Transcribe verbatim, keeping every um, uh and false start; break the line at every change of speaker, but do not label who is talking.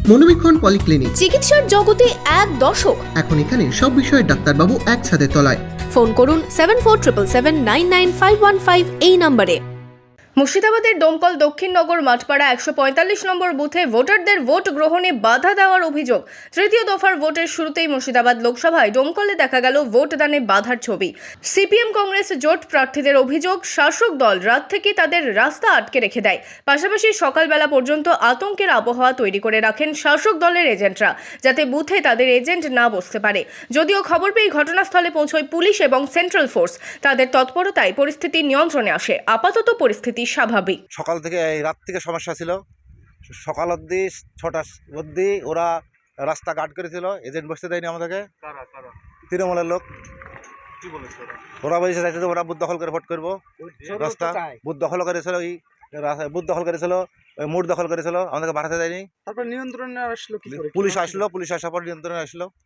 মনোবীক্ষণ polyclinic,
চিকিৎসার জগতে এক দশক।
এখন এখানে সব বিষয়ে ডাক্তারবাবু এক ছাদের তলায়।
ফোন করুন seven four triple seven nine nine five one five এই নম্বরে। মুর্শিদাবাদের ডোমকল দক্ষিণনগর মাঠপাড়া একশো পঁয়তাল্লিশ নম্বর বুথে ভোটারদের ভোট গ্রহণে বাধা দেওয়ার অভিযোগ। তৃতীয় দফার ভোটের শুরুতেই মুর্শিদাবাদ লোকসভায় ডোমকলে দেখা গেল ভোটদানে বাধার ছবি। সিপিএম কংগ্রেস জোট প্রার্থীদের অভিযোগ, শাসক দল রাত থেকে তাদের রাস্তা আটকে রেখে দেয়। পাশাপাশি সকালবেলা পর্যন্ত আতঙ্কের আবহাওয়া তৈরি করে রাখেন শাসক দলের এজেন্টরা, যাতে বুথে তাদের এজেন্ট না বসতে পারে। যদিও খবর পেয়ে ঘটনাস্থলে পৌঁছয় পুলিশ এবং সেন্ট্রাল ফোর্স। তাদের তৎপরতায় পরিস্থিতি নিয়ন্ত্রণে আসে। আপাতত পরিস্থিতি স্বাভাবিক।
সকাল থেকে এই রাত থেকে সমস্যা ছিল, সকাল অবধি ছটা অবধি ওরা রাস্তা গার্ড করেছিল, এজেন্ট বসতে দেয়নি আমাদেরকে। তৃণমূলের লোক
কি বলেছে ওরা?
ওরা বলেছে চাইছে যে ওরা বুথ দখল করে ভোট করবো। রাস্তা বুথ দখল করেছিল, ওই রাস্তা- বুথ দখল করেছিল, ওই মোড় দখল করেছিল, আমাদেরকে বাড়াতে দেয়নি।
তারপর নিয়ন্ত্রণে আসলো কি করে?
পুলিশ আসলো, পুলিশ আসার পর নিয়ন্ত্রণে আসলো।